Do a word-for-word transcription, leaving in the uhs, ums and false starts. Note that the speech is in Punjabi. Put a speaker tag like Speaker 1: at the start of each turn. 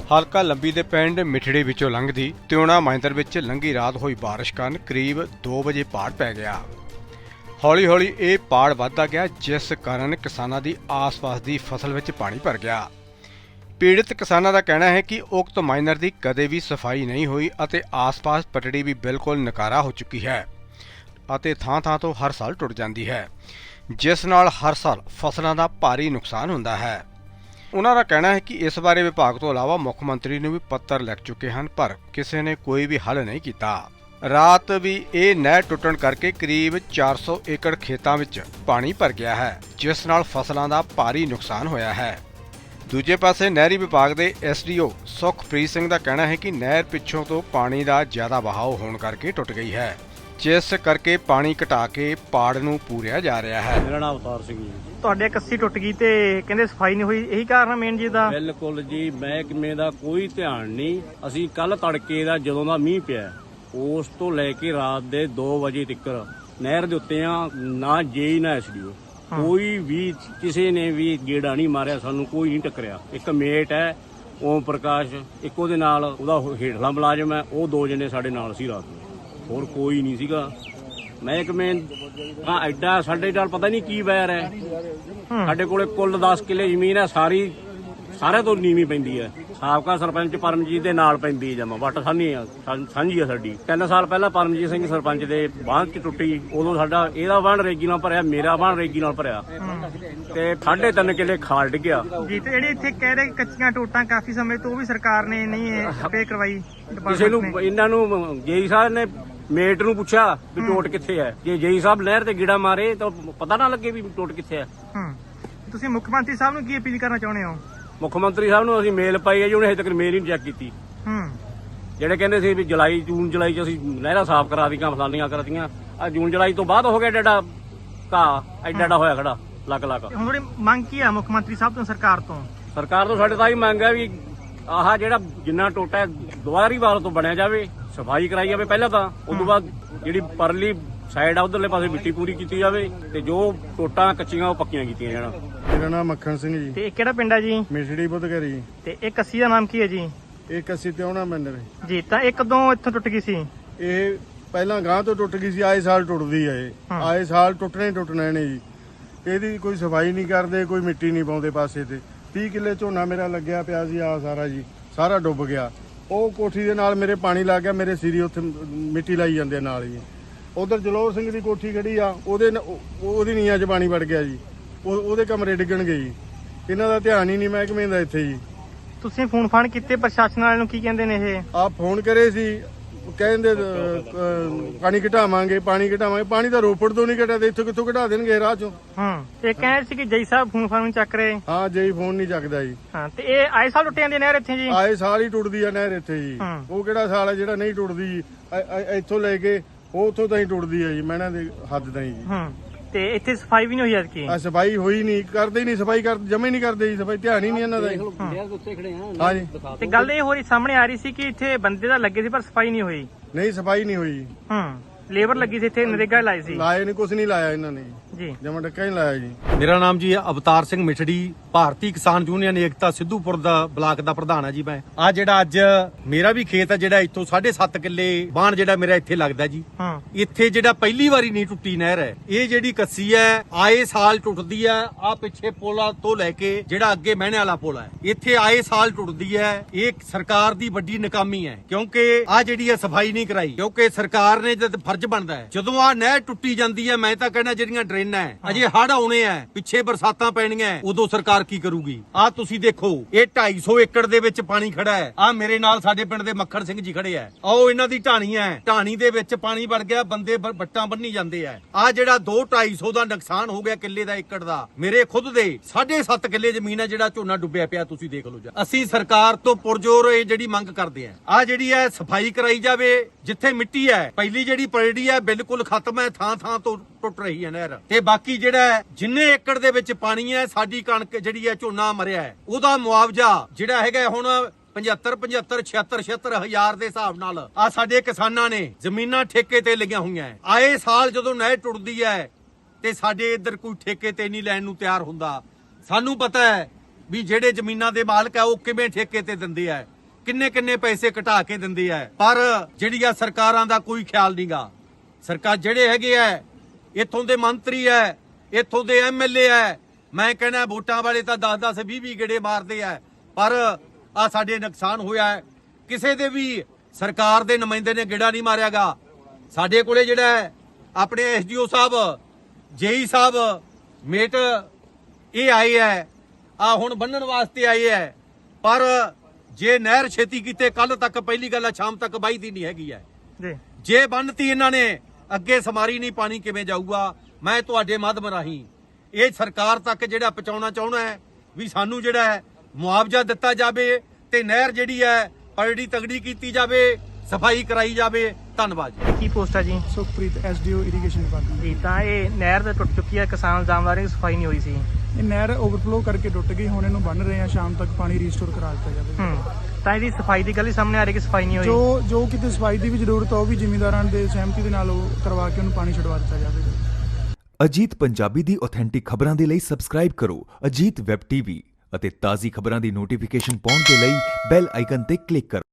Speaker 1: ਹਲਕਾ ਲੰਬੀ ਦੇ ਪਿੰਡ ਮਿਠੜੀ ਵਿੱਚੋਂ ਲੰਘਦੀ ਤਿਉਣਾ ਮਾਇੰਦਰ ਵਿੱਚ ਲੰਘੀ ਰਾਤ ਹੋਈ ਬਾਰਿਸ਼ ਕਾਰਨ ਕਰੀਬ ਦੋ ਵਜੇ ਪਾੜ ਪੈ ਗਿਆ। ਹੌਲੀ ਹੌਲੀ ਇਹ ਪਾੜ ਵੱਧਦਾ ਗਿਆ, ਜਿਸ ਕਾਰਨ ਕਿਸਾਨਾਂ ਦੀ ਆਸ-ਪਾਸ ਦੀ ਫਸਲ ਵਿੱਚ ਪਾਣੀ ਭਰ ਗਿਆ। ਪੀੜਤ ਕਿਸਾਨਾਂ ਦਾ ਕਹਿਣਾ ਹੈ ਕਿ ਉਕਤ ਮਾਈਨਰ ਦੀ ਕਦੇ ਵੀ ਸਫਾਈ ਨਹੀਂ ਹੋਈ ਅਤੇ ਆਸ-ਪਾਸ ਪਟੜੀ ਵੀ ਬਿਲਕੁਲ ਨਕਾਰਾ ਹੋ ਚੁੱਕੀ ਹੈ ਅਤੇ ਥਾਂ-ਥਾਂ ਤੋਂ ਹਰ ਸਾਲ ਟੁੱਟ ਜਾਂਦੀ ਹੈ, ਜਿਸ ਨਾਲ ਹਰ ਸਾਲ ਫਸਲਾਂ ਦਾ ਭਾਰੀ ਨੁਕਸਾਨ ਹੁੰਦਾ ਹੈ। ਉਹਨਾਂ ਦਾ ਕਹਿਣਾ ਹੈ ਕਿ ਇਸ ਬਾਰੇ ਵਿਭਾਗ ਤੋਂ ਇਲਾਵਾ ਮੁੱਖ ਮੰਤਰੀ ਨੂੰ ਵੀ ਪੱਤਰ ਲਿਖ ਚੁੱਕੇ ਹਨ, ਪਰ ਕਿਸੇ ਨੇ ਕੋਈ ਵੀ ਹੱਲ ਨਹੀਂ ਕੀਤਾ। ਰਾਤ ਵੀ ਇਹ ਨਹਿਰ ਟੁੱਟਣ ਕਰਕੇ ਕਰੀਬ ਚਾਰ ਸੌ ਏਕੜ ਖੇਤਾਂ ਵਿੱਚ ਪਾਣੀ ਭਰ ਗਿਆ ਹੈ, ਜਿਸ ਨਾਲ ਫਸਲਾਂ ਦਾ ਭਾਰੀ ਨੁਕਸਾਨ ਹੋਇਆ ਹੈ। ਦੂਜੇ ਪਾਸੇ ਨਹਿਰੀ ਵਿਭਾਗ ਦੇ S D O Sukhpreet Singh ਦਾ ਕਹਿਣਾ ਹੈ ਕਿ ਨਹਿਰ ਪਿੱਛੋਂ ਤੋਂ ਪਾਣੀ ਦਾ ਜ਼ਿਆਦਾ ਵਹਾਅ ਹੋਣ ਕਰਕੇ ਟੁੱਟ ਗਈ ਹੈ, ਜਿਸ ਕਰਕੇ ਪਾਣੀ ਘਟਾ ਕੇ ਪਾੜ ਨੂੰ ਪੂਰਿਆ ਜਾ ਰਿਹਾ ਹੈ।
Speaker 2: ਮੇਰਾ ਨਾਮ ਅਵਤਾਰ ਸਿੰਘ ਜੀ।
Speaker 3: ਤੁਹਾਡੇ ਕੱਸੀ ਟੁੱਟ ਗਈ ਤੇ ਕਹਿੰਦੇ ਸਫਾਈ ਨਹੀਂ ਹੋਈ, ਇਹੀ ਕਾਰਨ ਮੇਨ ਜੀ ਦਾ?
Speaker 2: ਬਿਲਕੁਲ ਜੀ, ਮਹਿਕਮੇ ਦਾ ਕੋਈ ਧਿਆਨ ਨਹੀਂ। ਅਸੀਂ ਕੱਲ ਤੜਕੇ ਦਾ ਜਦੋਂ ਦਾ ਮੀਂਹ ਪਿਆ ਉਸ ਤੋਂ ਲੈ ਕੇ ਰਾਤ ਦੇ ਦੋ ਵਜੇ ਤੱਕ ਨਹਿਰ ਦੇ ਉੱਤੇ ਆ, ਨਾ ਜੇਈ ਨਾ ਐਸ ਡੀ ਓ ਕੋਈ ਵੀ ਕਿਸੇ ਨੇ ਵੀ ਗੇੜਾ ਨਹੀਂ ਮਾਰਿਆ, ਸਾਨੂੰ ਕੋਈ ਨਹੀਂ ਟੱਕਰਿਆ। ਇੱਕ ਮੇਟ ਹੈ ਓਮ ਪ੍ਰਕਾਸ਼, ਇੱਕ ਉਹਦੇ ਨਾਲ ਉਹਦਾ ਹੇਠਲਾ ਮੁਲਾਜ਼ਮ ਹੈ, ਉਹ ਦੋ ਜਣੇ ਸਾਡੇ ਨਾਲ ਸੀ ਰਾਤ ਨੂੰ, ਹੋਰ ਕੋਈ ਨਹੀਂ ਸੀਗਾ। ਮਹਿਕਮੇ ਹਾਂ ਐਡਾ ਸਾਡੇ ਨਾਲ ਪਤਾ ਨਹੀਂ ਕੀ ਵੈਰ ਹੈ। ਸਾਡੇ ਕੋਲੇ ਕੁੱਲ ਦਸ ਕਿੱਲੇ ਜ਼ਮੀਨ ਹੈ, ਸਾਰੀ ਸਾਰਿਆਂ ਤੋਂ ਨੀਵੀਂ ਪੈਂਦੀ ਹੈ। ਸਾਬਕਾ ਸਰਪੰਚ ਪਰਮਜੀਤ ਦੇ ਨਾਲ ਪੈਂਦੀ ਹੈ ਜਮਾ, ਵੱਟ ਸਾਂਝੀ ਆ ਸਾਂਝੀ ਆ ਸਾਡੀ। ਤਿੰਨ ਸਾਲ ਪਹਿਲਾਂ ਪਰਮਜੀਤ ਸਿੰਘ ਸਰਪੰਚ ਦੇ ਬਾਂਹ ਚ ਟੁੱਟੀ, ਉਦੋਂ ਸਾਡਾ ਇਹਦਾ ਬਾਂਹ ਰੇਗੀ ਨਾਲ ਭਰਿਆ, ਮੇਰਾ ਬਾਂਹ ਰੇਗੀ ਨਾਲ ਭਰਿਆ ਤੇ ਸਾਢੇ ਤਿੰਨ ਕਿੱਲੇ ਖਾਲ ਡਿੱਗਿਆ
Speaker 3: ਜੀ। ਤੇ ਜਿਹੜੇ ਇੱਥੇ ਕਹਿ ਰਹੇ ਕੱਚੀਆਂ ਟੋਟਾਂ ਕਾਫੀ ਸਮੇਂ ਤੋਂ ਉਹ ਵੀ ਸਰਕਾਰ ਨੇ ਨਹੀਂ ਸਪੇ ਕਰਵਾਈ।
Speaker 2: ਕਿਸੇ ਨੂੰ ਇਹਨਾਂ ਨੂੰ ਜੇਈ ਸਾਹਿਬ ਨੇ ਮੇਟ ਨੂੰ ਪੁੱਛਿਆ ਵੀ ਟੋਟ ਕਿੱਥੇ ਹੈ। ਜੇ ਜੇਈ ਸਾਹਿਬ ਨਹਿਰ ਤੇ ਗੀੜਾ ਮਾਰੇ ਤਾਂ ਪਤਾ ਨਾ ਲੱਗੇ ਵੀ ਟੋਟ ਕਿੱਥੇ ਹੈ।
Speaker 3: ਹੂੰ, ਤੁਸੀਂ ਮੁੱਖ ਮੰਤਰੀ ਸਾਹਿਬ ਨੂੰ ਕੀ ਅਪੀਲ ਕਰਨਾ ਚਾਹੁੰਦੇ ਹੋ?
Speaker 2: ਮੁੱਖ ਮੰਤਰੀ ਸਾਹਿਬ ਨੂੰ ਅਸੀਂ ਮੇਲ ਪਾਈ ਹੈ ਜੀ, ਉਹਨੇ ਹਜੇ ਤੱਕ ਮੇਲ ਹੀ ਨਹੀਂ ਚੈੱਕ ਕੀਤੀ।
Speaker 3: ਹੂੰ,
Speaker 2: ਜਿਹੜੇ ਕਹਿੰਦੇ ਸੀ ਵੀ ਜੁਲਾਈ ਜੂਨ ਜੁਲਾਈ ਚ ਅਸੀਂ ਨਹਿਰਾਂ ਸਾਫ਼ ਕਰਾ ਦੀਆਂ, ਫਲਾਨੀਆਂ ਕਰਾਤੀਆਂ, ਆ ਜੂਨ ਜੁਲਾਈ ਤੋਂ ਬਾਅਦ ਹੋ ਗਿਆ ਡੇਡਾ ਘਾਹ ਐਡਾ ਐਡਾ ਹੋਇਆ ਖੜਾ ਲੱਗ ਲੱਗ।
Speaker 3: ਹੁਣ ਤੁਹਾਡੀ ਮੰਗ ਕੀ ਆ ਮੁੱਖ ਮੰਤਰੀ ਸਾਹਿਬ ਤੋਂ, ਸਰਕਾਰ ਤੋਂ?
Speaker 2: ਸਰਕਾਰ ਤੋਂ ਸਾਡੇ ਤਾਂ ਇਹ ਮੰਗ ਹੈ ਵੀ ਆਹ ਜਿਹੜਾ ਜਿੰਨਾ ਟੋਟਾ ਦੁਬਾਰੀ ਵਾਲ ਤੋਂ ਬਣਿਆ ਜਾਵੇ, ਸਫਾਈ ਕਰਾਈ ਜਾਵੇ ਪਹਿਲਾਂ ਤਾਂ, ਉਸ ਤੋਂ ਬਾਅਦ ਜਿਹੜੀ ਪਰਲੀ ਸਾਈਡ ਆ ਉਧਰਲੇ ਪਾਸੇ ਮਿੱਟੀ ਪੂਰੀ ਕੀਤੀ ਜਾਵੇ ਤੇ ਜੋ ਟੋਟਾਂ ਕੱਚੀਆਂ ਉਹ ਪੱਕੀਆਂ ਕੀਤੀਆਂ ਜਾਣ।
Speaker 4: ਮੇਰਾ ਨਾਮ ਮੱਖਣ ਸਿੰਘ ਜੀ।
Speaker 3: ਤੇ ਇਹ ਕਿਹੜਾ ਪਿੰਡ ਹੈ ਜੀ?
Speaker 4: ਮਿਠੜੀ ਬੁੱਧਗਰੀ।
Speaker 3: ਤੇ ਇਹ ਕੱਸੀ ਦਾ ਨਾਮ ਕੀ ਹੈ ਜੀ?
Speaker 4: ਇਹ ਕੱਸੀ ਤਿਉਣਾ ਮੰਦਰ
Speaker 3: ਜੀ। ਤਾਂ ਇਹ ਕਦੋਂ ਇੱਥੋਂ ਟੁੱਟ ਗਈ ਸੀ?
Speaker 4: ਇਹ ਪਹਿਲਾਂ ਗਾਂ ਤੋਂ ਟੁੱਟ ਗਈ ਸੀ, ਆਏ ਸਾਲ ਟੁੱਟਦੀ ਆ ਇਹ, ਆਏ ਸਾਲ ਟੁੱਟਣੇ ਟੁੱਟਣੇ ਨੇ ਜੀ। ਇਹਦੀ ਕੋਈ ਸਫਾਈ ਨਹੀਂ ਕਰਦੇ, ਕੋਈ ਮਿੱਟੀ ਨਹੀਂ ਪਾਉਂਦੇ ਪਾਸੇ ਤੇ। ਤੀਹ ਕਿੱਲੇ ਝੋਨਾ ਮੇਰਾ ਲੱਗਿਆ ਪਿਆ ਸੀ, ਆ ਸਾਰਾ ਜੀ ਸਾਰਾ ਡੁੱਬ ਗਿਆ। ਉਹ ਕੋਠੀ ਦੇ ਨਾਲ ਮੇਰੇ ਪਾਣੀ ਲੱਗ ਗਿਆ, ਮੇਰੇ ਸਿਰੀ ਉੱਥੇ ਮਿੱਟੀ ਲਾਈ ਜਾਂਦੇ ਨਾਲ ਜੀ। ਉਧਰ ਜਲੋਰ ਸਿੰਘ ਦੀ ਕੋਠੀ ਖੜੀ ਆ, ਉਹਦੇ ਉਹਦੀ ਨੀਆਂ 'ਚ ਪਾਣੀ ਵੜ ਗਿਆ ਜੀ, ਉਹਦੇ ਕਮਰੇ ਡਿੱਗਣਗੇ ਜੀ। ਇਹਨਾਂ ਦਾ ਧਿਆਨ ਹੀ ਨਹੀਂ ਮਹਿਕਮੇ ਦਾ ਇੱਥੇ ਜੀ।
Speaker 3: ਤੁਸੀਂ ਫੋਨ ਫਾਨ ਕੀਤੇ ਪ੍ਰਸ਼ਾਸਨ ਵਾਲਿਆਂ ਨੂੰ, ਕੀ ਕਹਿੰਦੇ ਨੇ ਇਹ?
Speaker 4: ਆਪ ਫੋਨ ਕਰੇ ਸੀ, ਕਹਿੰਦੇ ਪਾਣੀ ਘਟਾਵਾਂਗੇ ਪਾਣੀ ਘਟਾਵਾਂਗੇ। ਪਾਣੀ ਤਾਂ ਰੋਪੜ ਤੋਂ ਨਹੀਂ ਘਟਿਆ ਤੇ ਇੱਥੋਂ ਕਿੱਥੋਂ ਘਟਾ ਦੇਣਗੇ ਰਾਹ ਚੋਂ।
Speaker 3: ਹੂੰ, ਇਹ ਕਹਿ ਸੀ ਕਿ ਜੈ ਸਾਹਿਬ ਫੋਨ ਫਾਨ ਚੱਕ ਰਹੇ।
Speaker 4: ਹਾਂ, ਜਈ ਫੋਨ ਨਹੀਂ ਚੱਕਦਾ ਜੀ।
Speaker 3: ਹਾਂ, ਤੇ ਇਹ ਆਏ ਸਾਲ ਟੁੱਟ ਜਾਂਦੀ ਨਹਿਰ ਇੱਥੇ ਜੀ?
Speaker 4: ਆਏ ਸਾਲ ਹੀ ਟੁੱਟਦੀ ਆ ਨਹਿਰ ਇੱਥੇ ਜੀ। ਉਹ ਕਿਹੜਾ ਸਾਲ ਹੈ ਜਿਹੜਾ ਨਹੀਂ ਟੁੱਟਦੀ ਜੀ? ਇੱਥੋਂ ਲੈ ਕੇ ਉਹ ਉੱਥੋਂ ਤਾਂ ਹੀ ਟੁੱਟਦੀ ਆ ਜੀ, ਮਹਿਣਾ ਦੇ ਹੱਦ ਤਾਂ ਹੀ ਜੀ।
Speaker 3: ਹੂੰ, ਤੇ ਇੱਥੇ ਸਫਾਈ ਵੀ ਨਹੀਂ ਹੋਈ ਅੱਜ ਕੀ?
Speaker 4: ਆ ਸਫਾਈ ਹੋਈ ਨਹੀਂ, ਕਰਦੇ ਹੀ ਨਹੀਂ ਸਫਾਈ, ਕਰ ਜਮੇ ਨਹੀਂ ਕਰਦੇ ਜੀ ਸਫਾਈ, ਧਿਆਨ ਹੀ ਨਹੀਂ ਇਹਨਾਂ ਦਾ ਜੀ। ਹਾਂ ਜੀ।
Speaker 3: ਤੇ ਗੱਲ ਇਹ ਹੋ ਰਹੀ ਸਾਹਮਣੇ ਆ ਰਹੀ ਸੀ ਕਿ ਇੱਥੇ ਬੰਦੇ ਤਾਂ ਲੱਗੇ ਸੀ ਪਰ ਸਫਾਈ ਨਹੀਂ ਹੋਈ।
Speaker 4: ਨਹੀਂ, ਸਫਾਈ ਨਹੀਂ ਹੋਈ।
Speaker 3: ਹੂੰ, ਲੇਬਰ ਲੱਗੀ ਸੀ ਇੱਥੇ, ਨਰੇਗਾ ਲਾਈ ਸੀ?
Speaker 4: ਲਾਏ ਨਹੀਂ, ਕੁਝ ਨਹੀਂ ਲਾਇਆ ਇਹਨਾਂ ਨੇ
Speaker 3: ਜੀ।
Speaker 4: ਜਮਾ ਡੱਕਾ ਹੀ ਲਾਇਆ ਜੀ।
Speaker 5: ਮੇਰਾ ਨਾਮ ਜੀ ਅਵਤਾਰ ਸਿੰਘ ਮਿਠੜੀ, ਭਾਰਤੀ ਕਿਸਾਨ ਯੂਨੀਅਨ ਏਕਤਾ ਸਿੱਧੂਪੁਰ ਦਾ ਬਲਾਕ ਦਾ ਪ੍ਰਧਾਨ ਆ ਜੀ ਮੈਂ। ਆ ਜਿਹੜਾ ਅੱਜ ਮੇਰਾ ਵੀ ਖੇਤ ਆ, ਜਿਹੜਾ ਇੱਥੋਂ ਸਾਢੇ ਸੱਤ ਕਿੱਲੇ ਬਾਣ ਜਿਹੜਾ ਮੇਰਾ ਇੱਥੇ ਲੱਗਦਾ ਜੀ।
Speaker 3: ਹਾਂ,
Speaker 5: ਇੱਥੇ ਜਿਹੜਾ ਪਹਿਲੀ ਵਾਰੀ ਨਹੀਂ ਟੁੱਟੀ ਨਹਿਰ ਹੈ, ਇਹ ਜਿਹੜੀ ਕੱਸੀ ਹੈ ਆਏ ਸਾਲ ਟੁੱਟਦੀ ਹੈ। ਆ ਪਿੱਛੇ ਪੁਲਾਂ ਤੋਂ ਲੈ ਕੇ ਜਿਹੜਾ ਅੱਗੇ ਮਹਿਣੇ ਵਾਲਾ ਪੁਲ ਹੈ, ਇੱਥੇ ਆਏ ਸਾਲ ਟੁੱਟਦੀ ਹੈ। ਇਹ ਸਰਕਾਰ ਦੀ ਵੱਡੀ ਨਾਕਾਮੀ ਹੈ, ਕਿਉਂਕਿ ਆ ਜਿਹੜੀ ਹੈ ਸਫਾਈ ਨਹੀਂ ਕਰਾਈ। ਕਿਉਂਕਿ ਸਰਕਾਰ ਨੇ ਜਦ ਫਰਜ਼ ਬਣਦਾ ਹੈ, ਜਦੋਂ ਆ ਨਹਿਰ ਟੁੱਟੀ ਜਾਂਦੀ ਹੈ, ਮੈਂ ਤਾਂ ਕਹਿੰਦਾ ਜਿਹੜੀਆਂ ਡਰੇਨਾਂ ਹੈ, ਅਜੇ ਹੜ੍ਹ ਆਉਣੇ ਆ, ਪਿੱਛੇ ਬਰਸਾਤਾਂ ਪੈਣੀਆਂ, ਉਦੋਂ ਸਰਕਾਰ ਕੀ ਕਰੂਗੀ? ਆ ਤੁਸੀਂ ਦੇਖੋ, ਇਹ ਢਾਈ ਸੌ ਏਕੜ ਦੇ ਵਿੱਚ ਪਾਣੀ ਖੜਾ ਹੈ। ਆ ਮੇਰੇ ਨਾਲ ਸਾਡੇ ਪਿੰਡ ਦੇ ਮੱਖਣ ਸਿੰਘ ਜੀ ਖੜੇ ਆ, ਆਓ ਇਹਨਾਂ ਦੀ ਢਾਣੀ ਹੈ, ਢਾਣੀ ਦੇ ਵਿੱਚ ਪਾਣੀ ਵੜ ਗਿਆ, ਬੰਦੇ ਵੱਟਾਂ ਬੰਨੀ ਜਾਂਦੇ ਆ। ਆ ਜਿਹੜਾ ਦੋ ਢਾਈ ਸੌ ਦਾ ਨੁਕਸਾਨ ਹੋ ਗਿਆ ਕਿੱਲੇ ਦਾ, ਏਕੜ ਦਾ। ਮੇਰੇ ਖੁਦ ਦੇ ਸਾਢੇ ਸੱਤ ਕਿੱਲੇ ਜ਼ਮੀਨ ਹੈ, ਜਿਹੜਾ ਝੋਨਾ ਡੁੱਬਿਆ ਪਿਆ, ਤੁਸੀਂ ਦੇਖ ਲਓ। ਅਸੀਂ ਸਰਕਾਰ ਤੋਂ ਪੁਰਜੋਰ ਇਹ ਜਿਹੜੀ ਮੰਗ ਕਰਦੇ ਆ, ਆ ਜਿਹੜੀ ਹੈ ਸਫਾਈ ਕਰਾਈ ਜਾਵੇ। ਜਿੱਥੇ ਮਿੱਟੀ ਹੈ, ਪਹਿਲੀ ਜਿਹੜੀ ਪਰੜੀ ਹੈ ਬਿਲਕੁਲ ਖਤਮ ਹੈ, ਥਾਂ ਥਾਂ ਤੋਂ ਟੁੱਟ ਰਹੀ ਹੈ ਨਹਿਰ। ਤੇ ਬਾਕੀ ਜਿਹੜਾ ਜਿੰਨੇ ਏਕੜ ਦੇ ਵਿੱਚ ਪਾਣੀ ਹੈ, ਸਾਡੀ ਕਣਕ ਜਿਹੜੀ ਹੈ, ਝੋਨਾ ਮਰਿਆ ਹੈ, ਉਹਦਾ ਮੁਆਵਜ਼ਾ ਜਿਹੜਾ ਹੈਗਾ ਹੁਣ ਪਝੱਤਰ ਪਝੱਤਰ ਛਿਅੱਤਰ ਛਿਅੱਤਰ ਹਜ਼ਾਰ ਦੇ ਹਿਸਾਬ ਨਾਲ ਆ ਸਾਡੇ ਕਿਸਾਨਾਂ ਨੇ ਜ਼ਮੀਨਾਂ ਠੇਕੇ ਤੇ ਲਈਆਂ ਹੋਈਆਂ। ਆਏ ਸਾਲ ਜਦੋਂ ਨਹਿਰ ਟੁੱਟਦੀ ਹੈ ਤੇ ਸਾਡੇ ਇੱਧਰ ਕੋਈ ਠੇਕੇ ਤੇ ਨਹੀਂ ਲੈਣ ਨੂੰ ਤਿਆਰ ਹੁੰਦਾ। ਸਾਨੂੰ ਪਤਾ ਹੈ ਵੀ ਜਿਹੜੇ ਜ਼ਮੀਨਾਂ ਦੇ ਮਾਲਕ ਆ ਉਹ ਕਿਵੇਂ ਠੇਕੇ ਤੇ ਦਿੰਦੇ ਆ। ਕਿੰਨੇ ਕਿੰਨੇ ਪੈਸੇ ਘਟਾ ਕੇ ਦਿੰਦੇ ਆ, ਪਰ ਜਿਹੜੀਆਂ ਸਰਕਾਰਾਂ ਦਾ ਕੋਈ ਖਿਆਲ ਨਹੀਂਗਾ। ਸਰਕਾਰ ਜਿਹੜੇ ਹੈਗੇ ਆ, ਇੱਥੋਂ ਦੇ ਮੰਤਰੀ ਐ, ਇੱਥੋਂ ਦੇ ਐਮਐਲਏ ਐ, ਮੈਂ ਕਹਿੰਦਾ ਵੋਟਾਂ ਵਾਲੇ ਤਾਂ ਦਸ ਦਸ ਵੀਹ ਵੀਹ ਗੇੜੇ ਮਾਰਦੇ ਆ, ਪਰ ਆ ਸਾਡੇ ਨੁਕਸਾਨ ਹੋਇਆ ਹੈ। ਕਿਸੇ ਦੇ ਵੀ ਸਰਕਾਰ ਦੇ ਨੁਮਾਇੰਦੇ ਨੇ ਗੇੜਾ ਨਹੀਂ ਮਾਰਿਆਗਾ। ਸਾਡੇ ਕੋਲੇ ਜਿਹੜਾ ਹੈ ਆਪਣੇ ਐਸਡੀਓ ਸਾਹਿਬ, ਜੇਈ ਸਾਹਿਬ, ਮੇਟ ਇਹ ਆਏ ਐ, ਆ ਹੁਣ ਬੰਨਣ ਵਾਸਤੇ ਆਏ ਐ, ਪਰ ਜੇ ਨਹਿਰ ਛੇਤੀ ਕੀਤੇ ਕੱਲ ਤੱਕ, ਪਹਿਲੀ ਗੱਲ ਆ ਸ਼ਾਮ ਤੱਕ ਬਾਈਦੀ ਨਹੀਂ ਹੈਗੀ ਐ
Speaker 3: ਜੀ।
Speaker 5: ਜੇ ਬੰਨਤੀ ਇਹਨਾਂ ਨੇ, ਅੱਗੇ ਸਮਾਰੀ ਨਹੀਂ, ਪਾਣੀ ਕਿਵੇਂ ਜਾਊਗਾ? ਮੈਂ ਤੁਹਾਡੇ ਮਾਧਿਅਮ ਰਾਹੀਂ ਇਹ ਸਰਕਾਰ ਤੱਕ ਜਿਹੜਾ ਪਹੁੰਚਾਉਣਾ ਚਾਹੁੰਦਾ ਹੈ ਵੀ ਸਾਨੂੰ ਜਿਹੜਾ ਹੈ ਮੁਆਵਜ਼ਾ ਦਿੱਤਾ ਜਾਵੇ ਤੇ ਨਹਿਰ ਜਿਹੜੀ ਹੈ ਪਰੜੀ ਤਗੜੀ ਕੀਤੀ ਜਾਵੇ, ਸਫਾਈ ਕਰਾਈ ਜਾਵੇ। ਧੰਨਵਾਦ ਜੀ।
Speaker 3: ਕੀ ਪੋਸਟ ਆ ਜੀ?
Speaker 6: Sukhpreet SDO irrigation department.
Speaker 3: ਜੀ, ਤਾਂ ਇਹ ਨਹਿਰ ਤਾਂ ਟੁੱਟ ਚੁੱਕੀ ਹੈ, ਕਿਸਾਨ ਇਲਜ਼ਾਮ ਲਾ ਰਹੇ ਕਿ ਸਫਾਈ ਨਹੀਂ ਹੋਈ ਸੀ।
Speaker 6: ਇਹ ਨਹਿਰ ਓਵਰਫਲੋ ਕਰਕੇ ਟੁੱਟ ਗਈ, ਹੁਣ ਇਹਨੂੰ ਬੰਨ ਰਹੇ ਆ, ਸ਼ਾਮ ਤੱਕ ਪਾਣੀ ਰੀਸਟੋਰ ਕਰਾ ਦਿੱਤਾ ਜਾਵੇ।
Speaker 3: ਹੂੰ, ਤਾਂ ਇਹਦੀ ਸਫਾਈ ਦੀ ਗੱਲ ਹੀ ਸਾਹਮਣੇ ਆ ਰਹੀ ਕਿ ਸਫਾਈ ਨਹੀਂ ਹੋਈ।
Speaker 6: ਜੋ ਜੋ ਕਿਤੇ ਸਫਾਈ ਦੀ ਵੀ ਜ਼ਰੂਰਤ ਆ, ਉਹ ਵੀ ਜ਼ਿਮੀਂਦਾਰਾਂ ਦੇ ਸਹਿਮਤੀ ਦੇ ਨਾਲ ਉਹ ਕਰਵਾ ਕੇ ਉਹਨੂੰ ਪਾਣੀ ਛਡਵਾ ਦਿੱਤਾ ਜਾਵੇ।
Speaker 7: ਅਜੀਤ ਪੰਜਾਬੀ ਦੀ ਆਥੈਂਟਿਕ ਖਬਰਾਂ ਦੇ ਲਈ ਸਬਸਕ੍ਰਾਈਬ ਕਰੋ ਅਜੀਤ ਵੈਬ ਟੀਵੀ ਅਤੇ ਤਾਜ਼ੀ ਖਬਰਾਂ ਦੀ ਨੋਟੀਫਿਕੇਸ਼ਨ ਪਾਉਣ ਦੇ ਲਈ ਬੈਲ ਆਈਕਨ ਤੇ ਕਲਿੱਕ ਕਰੋ।